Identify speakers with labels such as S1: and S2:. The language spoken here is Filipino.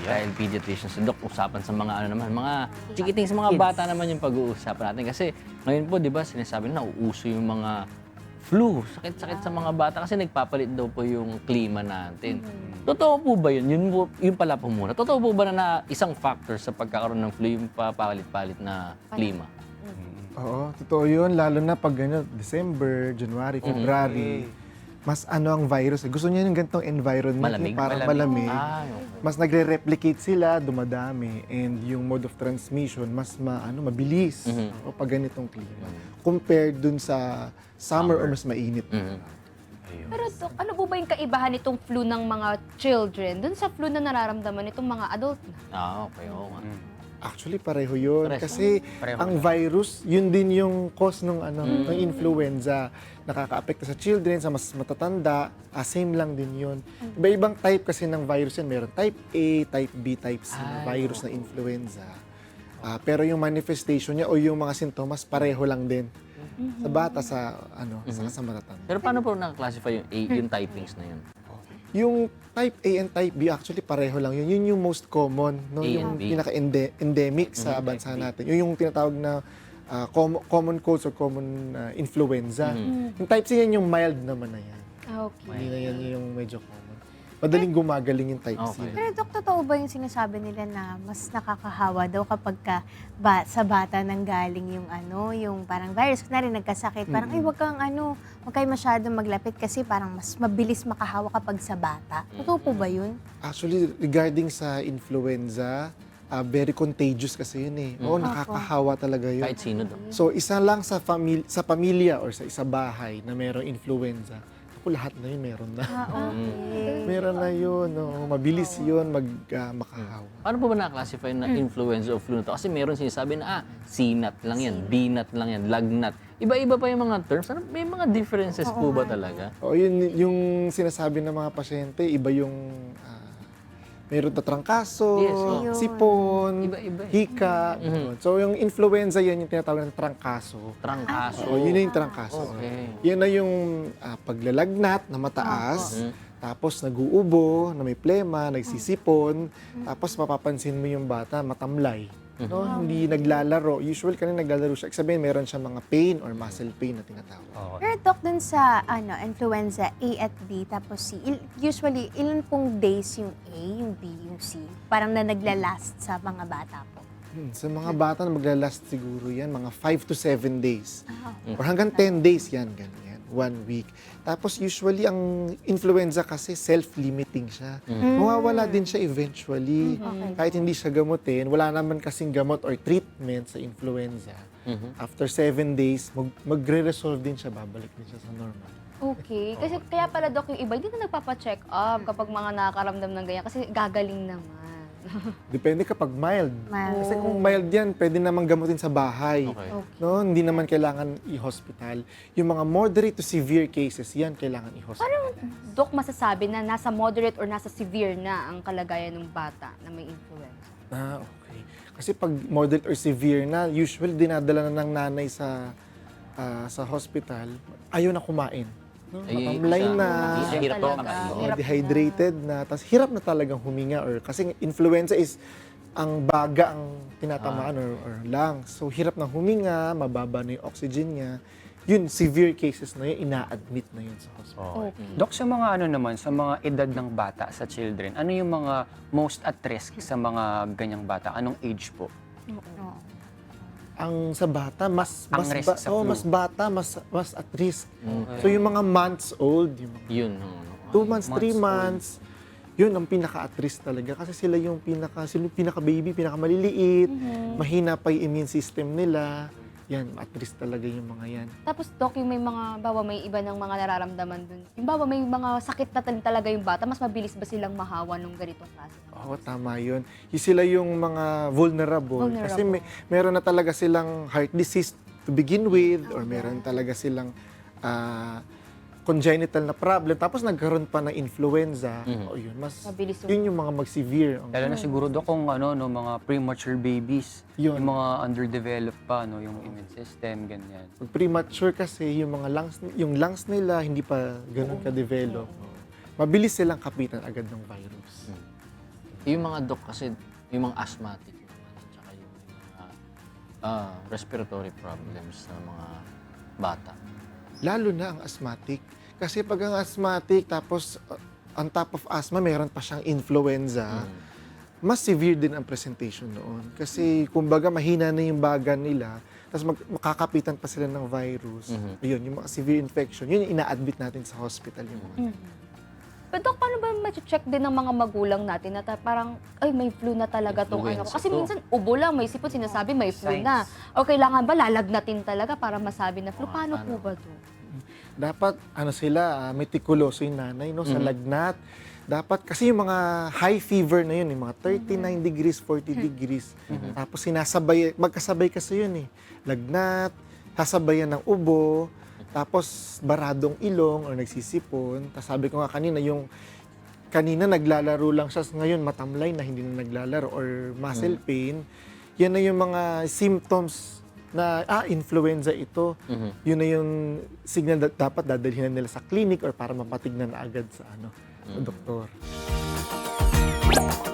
S1: Dahil pediatrician si Doc, usapan sa mga ano naman, mga chikiting sa mga bata naman yung pag-uusapan natin. Kasi ngayon po, di ba, sinasabi na nauuso yung mga flu, sakit-sakit sa mga bata kasi nagpapalit daw po yung klima natin. Totoo po ba yun? Yun pala po muna. Totoo po ba na isang factor sa pagkakaroon ng flu yung papalit-palit na klima?
S2: Oo, totoo yun. Lalo na pag December, January, February. Mas ang virus. Gusto niya yung ganitong environment.
S1: Malamig?
S2: Yung parang malamig.
S1: Okay.
S2: Mas nagre-replicate sila, dumadami. And yung mode of transmission, mas mabilis. O pag ganitong klima. Compared dun sa summer o mas mainit.
S3: Pero Dok, ano po ba yung kaibahan nitong flu ng mga children dun sa flu na nararamdaman nitong mga adult na?
S1: Okay, oo nga.
S2: Actually, pareho yun.
S1: Pares.
S2: Kasi
S4: Pareho
S2: ang virus, yun din yung cause ng influenza. Nakaka-apekto sa children, sa mas matatanda. Same lang din yun. Iba-ibang type kasi ng virus yan. Meron type A, type B, type C na virus na influenza. Pero yung manifestation niya o yung mga sintomas, pareho lang din. Sa bata, sa matatanda.
S1: Pero paano po nakaklasify yung typings na yun?
S2: Yung type A and type B, actually pareho lang yun. Yun yung most common, no?
S1: A
S2: Yung
S1: and B.
S2: pinaka-endemic sa bansa natin. Yung tinatawag na common colds or common influenza. Yung type C yan yung mild naman na yan.
S3: Okay.
S2: Hindi na yan yung medyo common. Madaling gumagaling yung type C.
S1: Okay.
S5: Pero Dok, totoo ba yung sinasabi nila na mas nakakahawa daw kapag sa bata nang galing yung yung parang virus na rin nagkasakit. Parang ay wag kayo masyadong maglapit kasi parang mas mabilis makahawa kapag sa bata. Totoo po ba yun?
S2: Actually, regarding sa influenza, very contagious kasi yun eh. Oo, nakakahawa talaga yun.
S1: Kahit sino daw.
S2: So, isa lang sa pamilya or sa isa bahay na mayroong influenza, lahat na yun meron na.
S5: Okay.
S2: Meron na yun. Mabilis yun makahawa.
S1: Paano po ba nakaklasify na influenza o flu na to? Kasi meron sinasabi na, C-nut lang yan, B-nut lang yan, lagnat. Iba-iba pa yung mga terms. May mga differences po ba talaga?
S2: O, yun yung sinasabi ng mga pasyente, iba yung meron na trangkaso,
S1: Yes, oo.
S2: sipon,
S1: Iba-iba eh.
S2: hika. ganun. So, yung influenza yan, yung tinatawag ng trangkaso.
S1: Trangkaso.
S2: So, yun na yung trangkaso.
S1: Okay.
S2: Yan na yung paglalagnat na mataas, tapos nag-uubo, na may plema, nagsisipon, tapos mapapansin mo yung bata, matamlay. No? Hindi naglalaro. Usually kanina naglalaro siya. Sabihin, meron siya mga pain or muscle pain na tinatawag.
S5: Pero Dok, dun sa influenza A at B tapos C, usually ilan pong days yung A, yung B, yung C? Parang na naglalast sa mga bata po.
S2: Sa mga bata na maglalast siguro yan, mga 5 to 7 days. Or hanggang 10 days yan, ganyan. 1 week. Tapos usually ang influenza kasi self-limiting siya. Mawawala din siya eventually. Kahit hindi siya gamutin, wala naman kasing gamot or treatment sa influenza. After 7 days, magre-resolve din siya, babalik din siya sa normal.
S3: Okay. Kasi kaya pala Dok, yung iba hindi na nagpapa-check up kapag mga nakakaramdam ng ganyan kasi gagaling naman.
S2: Depende kapag mild.
S5: Mild.
S2: Kasi kung mild yan, pwede naman gamutin sa bahay.
S1: Okay.
S2: No, hindi naman kailangan i-hospital. Yung mga moderate to severe cases, yan kailangan i-hospital.
S3: Dok, masasabi na nasa moderate or nasa severe na ang kalagayan ng bata na may influenza?
S2: Okay. Kasi pag moderate or severe na, usually dinadala na ng nanay sa hospital, ayaw na kumain. No? Matamlay na,
S1: Hirap
S3: Talaga.
S1: na kakain.
S3: Hirap
S2: dehydrated na, tapos hirap na talagang huminga. Kasi influenza is ang baga ang tinatamaan or lungs. So hirap na huminga, mababa na yung oxygen niya. Yun, severe cases na yun, ina-admit na yun sa hospital.
S3: Okay.
S4: Dok, sa mga naman, sa mga edad ng bata, sa children, ano yung mga most at risk sa mga ganyang bata? Anong age po?
S2: Ang sa bata, mas
S4: risk sa flu.
S2: mas bata, mas at risk. So yung mga months old, yung mga
S1: Yun.
S2: 2 months, 3
S4: Months
S2: months, yun ang pinaka-at risk talaga. Kasi sila yung pinaka-baby, pinaka-maliliit, mahina pa yung immune system nila. Yan, at risk talaga yung mga yan.
S3: Tapos Dok, yung may mga, bawa may iba ng mga nararamdaman dun. Yung bawa may mga sakit na talaga yung bata, mas mabilis ba silang mahawa nung ganitong klase?
S2: Oo, tama yun. Yung sila yung mga vulnerable. Kasi meron na talaga silang heart disease to begin with or meron talaga silang congenital na problem. Tapos nagkaroon pa ng influenza. O yun,
S3: Mabilis
S2: yun yung mga mag-severe.
S4: Lalo na siguro, Dok, kung mga premature babies,
S2: Yun.
S4: yung mga underdeveloped pa, yung immune system, ganyan.
S2: Pag premature kasi, yung mga lungs nila hindi pa ganun ka-develop. Mabilis silang kapitan agad ng virus.
S1: Yung mga doc kasi, yung mga asthmatic naman, at saka yung mga respiratory problems ng mga bata.
S2: Lalo na ang asthmatic. Kasi pag ang asthmatic, tapos on top of asthma, meron pa siyang influenza, mas severe din ang presentation noon. Kasi kumbaga mahina na yung baga nila, tapos makakapitan pa sila ng virus. Yun, yung mga severe infection, yun yung ina-admit natin sa hospital. Yung mga.
S3: Pero Dok, paano ba ma-check din ng mga magulang natin na parang, ay, may flu na talaga tong ano ko?
S1: Influenza
S3: Kasi
S1: to.
S3: minsan, ubo lang, may sipon, sinasabi may flu na. O kailangan ba lalagnatin talaga para masabi na flu? Paano po ba to?
S2: Dapat, sila, meticuloso yung nanay, no, sa lagnat. Dapat, kasi yung mga high fever na yun, yung mga 39 degrees, 40 degrees. Tapos sinasabay, magkasabay kasi yun eh. Lagnat, sasabayan ng ubo, tapos baradong ilong o nagsisipon. Tapos sabi ko nga kanina naglalaro lang siya, ngayon matamlay na hindi na naglalaro or muscle pain. Yan na yung mga symptoms na influenza ito. Yun na yung signal na dapat dadalhin na nila sa clinic or para mapatignan na agad sa sa doktor.